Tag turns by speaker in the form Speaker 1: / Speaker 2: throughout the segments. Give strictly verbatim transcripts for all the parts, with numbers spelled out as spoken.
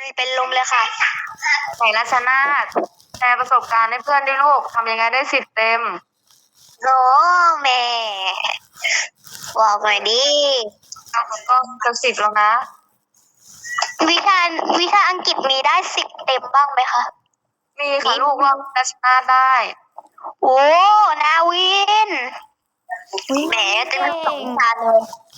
Speaker 1: เป็นลมเลยค่ะ
Speaker 2: ไหนรัชนาธิ์แชร์ประสบการณ์ให้เพื่อนด้วยลูกทำยังไงได้สิบเต็ม
Speaker 1: โอ้แม่บอกหน่อยดิ
Speaker 2: ก็จะสิบแล้วนะ
Speaker 1: วิชาวิชาอังกฤษมีได้สิบเต็มบ้างไหมคะ
Speaker 2: มีค่ะลูกว่ารัชนาธิ์ได้
Speaker 1: โอ้นาวินแหมเต็มสองชาเลย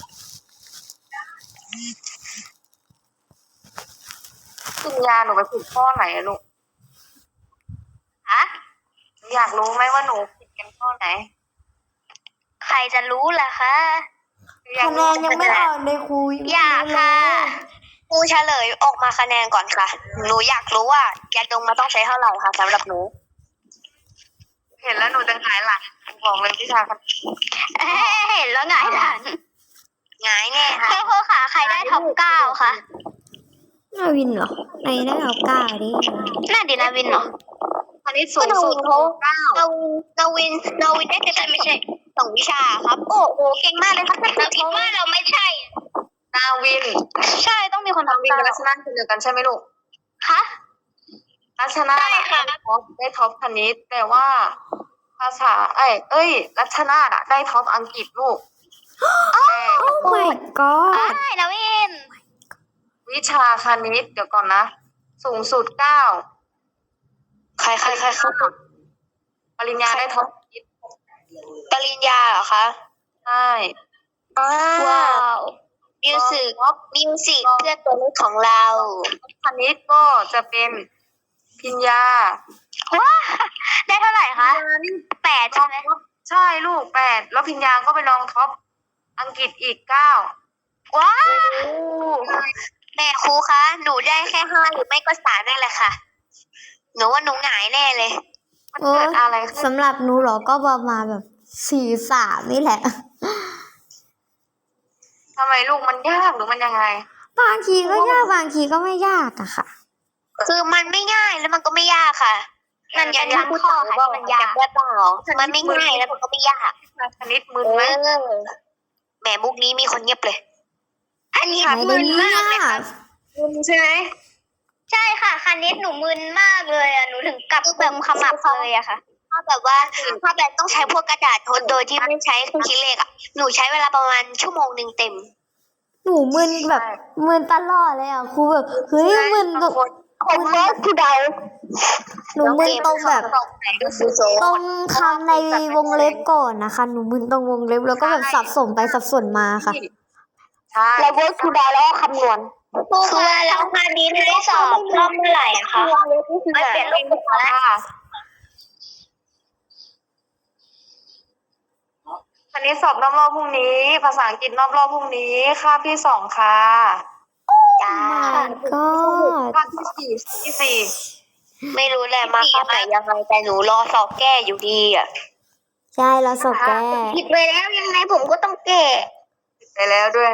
Speaker 2: ปัญญาหนูไปผิดข้อไหนอะลูก
Speaker 1: ฮะ
Speaker 2: อยากรู้ไหมว่าหนูผิดกันข้อไหน
Speaker 1: ใครจะรู้ล่ะคะ
Speaker 3: คะแนนยังไม่ออกเลยครู
Speaker 1: อยากค่ะครูเฉลยออกมาคะแนนก่อนค่ะหนูอยากรู้ว่ายาดมมาต้องใช้เท่าไหร่คะสำหรับหนู
Speaker 2: เห็นแล้วหนูจะหงายหลังบอกเลยวิชาคณิต
Speaker 1: เห็นแล้วหงายหลังหงายแน่ค่ะครูค่ะใครได้ท็อปเก้าคะ
Speaker 3: นาวินเหรอในได้ท็อปเก้าดิ
Speaker 1: น่าดีนาวินเหรอ
Speaker 2: คณิตสูงสุดเก้า
Speaker 1: นาวินนาวินได้แต่ไม่ใช่สองวิชาครับโอ้โหเก่งมากเลยครับแต่คิดว่าเราไม่ใช่
Speaker 2: นาวิน
Speaker 1: ใช่ต้องมีคน
Speaker 2: นาวินกับรัชนาธิ์คนเดียวกันใช่ไหมลูก
Speaker 1: คะ
Speaker 2: รัชนาธิ์ได้ท็อปได้ท็อปคณิตแต่ว่าภาษาเอ้ยเอ้ยรัชนาธิ์ได้ท็อปอังกฤษลูก
Speaker 3: โอ้ my god
Speaker 1: ใช่นาวิน
Speaker 2: วิชาคณิตเดี๋ยวก่อนนะสูงสุดเก้าใครใครใครเข้าปริญญาได้ท็อป
Speaker 1: ปริญญาเหรอคะ
Speaker 2: ใช่
Speaker 1: ว้าวมิวสิกมิวสิกเพื่อตัวเลขของเรา
Speaker 2: คณิตก็จะเป็นพิญญา
Speaker 1: ว้าได้เท่าไหร่คะแปดใช่ไหม
Speaker 2: ใช่ลูกแปดแล้วพิญญาก็ไปลองท็อปอังกฤษอีกเก้า
Speaker 1: ว้าวแม่ครูคะหนูได้แค่ห้าหรือไม่ก็สามนั่นแหละค่ะหนูว่าหนูหงายแน่เลย
Speaker 2: มันเกิดอะไรขึ้น
Speaker 3: สำหรับหนูหรอก็ประมาณแบบสี่สามนี่แหละ
Speaker 2: ทำไมลูกมันยากหรือมันยังไง
Speaker 3: บางทีก็ยากบางทีก็ไม่ยากอะค่ะ
Speaker 1: คือมันไม่ง่ายแล้วมันก็ไม่ยากค่ะมันยันยันข้อค่ะมันยากได้เปล่ามันไม่ง่ายแล้วมันก็ไม่ยาก
Speaker 2: คณิตมึนไหม
Speaker 1: แหมมุกนี้มีคนเงียบเลยอันนี้มึนมากเลยค่ะ
Speaker 2: มึนใช่ไหม
Speaker 1: ใช่ค่ะคณิตหนูมึนมากเลยอ่ะหนูถึงกลับเติมขมับเลยอะค่ะถ้าแบบว่าถ้าแบบต้องใช้พวกกระดาษทดโดยที่ไม่ใช้เครื่องคิดเลขอ่ะหนูใช้เวลาประมาณชั่วโมงหนึ่งเต็ม
Speaker 3: หนูมึนแบบมึนตลอดเลยอ่ะครูแบบเฮ้ยมึนแบบ
Speaker 1: ผมว่าคือเดา
Speaker 3: หนูมึนตรงแบบตรงคำในวงเล็บก่อนนะคะหนูมึนตรงวงเล็บแล้วก็แบบสับสนไปสับสนมาค่ะ
Speaker 1: แล้วก็คือเดาแล้วคำนวณคือแล้วคณิตให้สอบรอบเมื่อไหร่อะคะไม่เปลี่ยนรูปแล้ว
Speaker 2: คณิตสอบรอบรอบพรุ่งนี้ภาษาอังกฤษรอบรอบพรุ่งนี้คาบที่สองค่ะ
Speaker 1: จ้า
Speaker 3: ก็
Speaker 2: คาบที่สี่ที่สี่
Speaker 1: ไม่รู้แหละมาคาบไหนยังไงแต่หนูรอสอบแก้อยู่ดีอ่ะ
Speaker 3: ใช่เราสอบแก้
Speaker 1: ผิดไปแล้วยังไงผมก็ต้องแก้
Speaker 2: ผิดไปแล้วด้วย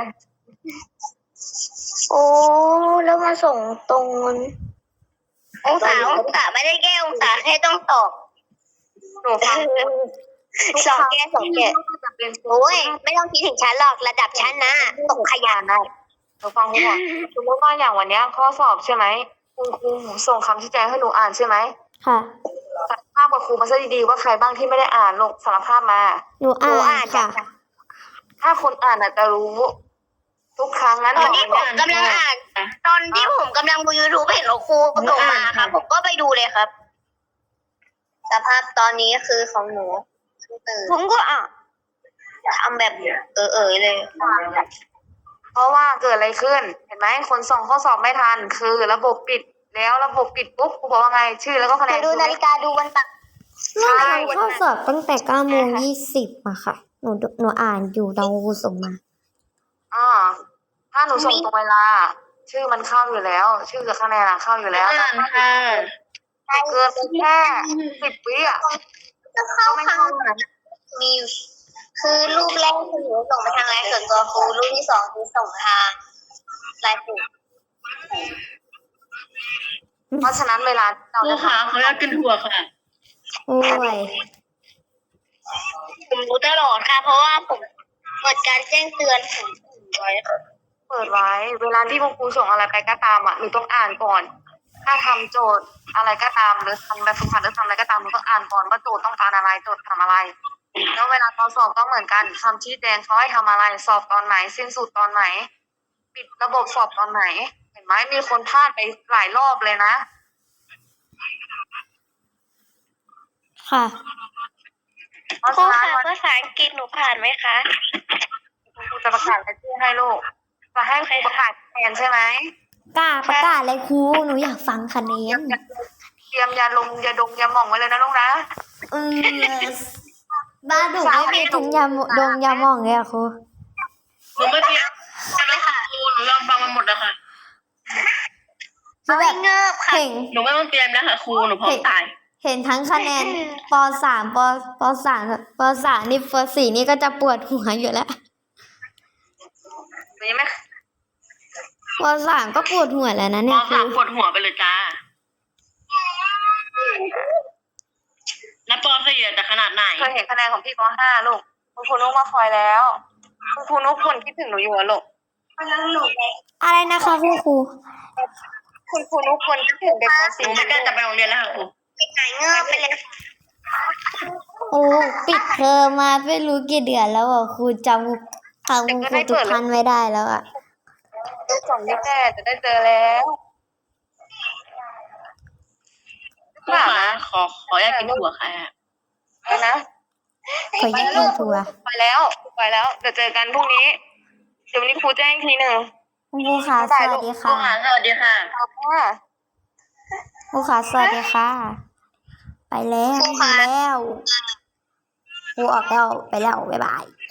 Speaker 1: โอ้แล้วมาส่งตรงองศาองศาไม่ได้แก้องศาแค่ต้องตอบ
Speaker 2: หนูฟัง
Speaker 1: สองแก้สองแก้โอ้ยไม่ต้องคิดถึงชั้นหรอกระดับชั้นนะตกขยะ
Speaker 2: ได้หนูฟังก่อนสมมติว่าอย่างวันนี้ข้อสอบใช่ไหมคุณครูส่งคำชี้แจงให้หนูอ่านใช่ไหม
Speaker 3: ค่ะ
Speaker 2: สารภาพกับครูมาซะดีๆว่าใครบ้างที่ไม่ได้อ่านลงสารภาพมา
Speaker 3: หนูอ่านค่ะ
Speaker 2: ถ้าคนอ่านอาจจะรู้ทุกครั้งนั้น
Speaker 1: ตอนที่ผมกำลังอ่านตอนที่ผมกำลังดู ยูทูบ เห็นครูส่งมาครับผมก็ไปดูเลยครับสภาพตอนนี้คือของหนูผมก็อ่ะทำแบบเออเออเลย
Speaker 2: เพราะว่าเกิดอะไรขึ้นเห็นไหมคนส่งข้อสอบไม่ทันคือระบบปิดแล้วระบบปิดปุ๊บครูบอกว่าไงชื่อแล้วก็คะแนน
Speaker 1: ดูนาฬิกาดูวันตัก
Speaker 3: ใช่ข้อสอบตั้งแต่เก้าโมงยี่สิบอะค่ะหนูหนูอ่านอยู่ตอนครูส่งมา
Speaker 2: อ่าถ้าหนูส่งตรงเวลาชื่อมันเข้าอยู่แล้วชื่อกับคะแนนเข้าอยู่แล้วแต่ถ้าเกินแค่สิบวิอ่ะ
Speaker 1: ก็เข้าครั้งมีคือรูปแรกคือหนูส่งไปทางไลน์ส่วนตัวครูรูปที่สองคือส่งทางไลน์กลุ่ม
Speaker 2: เพราะฉะนั้นเวลา
Speaker 4: เราจะถามเขาอยากกินถั่วค่ะ
Speaker 3: โอ้ย
Speaker 1: ผมรู้ตลอดค่ะเพราะว่าผมเปิดการแจ้งเตือนผมไว้
Speaker 2: เปิดไว้ เวลาที่คุณครูส่งอะไรไปก็ตามอ่ะหนูต้องอ่านก่อน ถ้าทำโจทย์อะไรก็ตามหรือทำแบบฝึกหัดหรือทำอะไรก็ตามหนูต้องอ่านก่อนว่าโจทย์ต้องการอะไรโจทย์ทำอะไร แล้วเวลาตอนสอบก็เหมือนกันคำชี้แจงเขาให้ทำอะไรสอบตอนไหน สิ้นสุดตอนไหน ปิดระบบสอบตอนไหน เห็นไหมมีคนพลาดไปหลายรอบเลยนะ
Speaker 3: ค่ะ
Speaker 2: เพราะ
Speaker 1: ครู
Speaker 2: ฉะนั้น
Speaker 1: ค่ะ
Speaker 2: วัน
Speaker 1: ภาษาอังกฤษหนูผ่านไหมคะ
Speaker 2: ครูจะประกาศรายชื่อให้ลูกจะให้ครูประกาศคะแนนใช่ไหม
Speaker 3: กล้าประกาศเลยครูหนูอยากฟังคะแนน
Speaker 2: เตรียมยาลมยาดมยาหม่องไว้เลยนะลูกนะ
Speaker 3: เออบ้านหนูไม่มีถุงยาหมดงยาหม่องเลยอะครู
Speaker 4: หนูไม่เตรียมใช่ไหมคะครูหนูลองฟังมาหมดแล้วค่ะ
Speaker 3: คือแบบ
Speaker 1: เงิบค่ะ
Speaker 3: เห็น
Speaker 4: หนูไม่ต้องเตรียมแล้วค่ะครูหนูพร้อมตาย
Speaker 3: เห็นทั้งคะแนนปสามปปสามปสามนี่ปสี่นี่ก็จะปวดหัวอยู่แล้ว
Speaker 2: หนูยังไม่
Speaker 3: ปสามก็ปวดหัวแล้วนะ
Speaker 4: พ
Speaker 3: เนี่
Speaker 4: อย
Speaker 3: ครู
Speaker 4: สามปวดหัวไปเลยจ้า แล้วปอสี่อะจะขนาดไหน
Speaker 2: เคยเห็นคะแนนของพี่ปห้าลูกคุณครูนุ๊กมาคอยแล้ว คุณครูนุ๊กคนคิดถึงหนูอยู่อะลูก
Speaker 3: อะไรนะคะคุณครู
Speaker 2: คุณครูนุ๊กคนคิดถึงเด็กป
Speaker 4: หนู
Speaker 2: สี่
Speaker 4: ไม่กล้าจะไปโรงเรียนแล้วค่ะครู
Speaker 1: หายเงิบไปเลย
Speaker 3: โอ้ปิดเทอมมาไม่รู้กี่เดือนแล้วอ่ะครูจำคำคุณครูทุกท่านไม่ได้แล้วอ่ะ
Speaker 2: ลูกสองยี่แปดจะได้เจอแล้ว
Speaker 4: ครูคะขอขออยากกินถั่วค่ะ
Speaker 2: ไปนะ
Speaker 3: ขอแยกกินทัวร์
Speaker 2: ไปแล้วไปแล้วเดี๋ยวเจอกันพรุ่งนี้ เดี๋ยววันนี้ครูแจ้งอีกทีหนึ่ง
Speaker 3: คุณครูค่ะสวัสดี
Speaker 4: ครู
Speaker 3: ค่ะ
Speaker 4: คะสวัสดีค่ะ
Speaker 2: เอาค่ะ
Speaker 3: ครูค่ะสวัสดีค่ะ ไปแล้วไปแล้วครูออกแล้วไปแล้วบ๊ายบาย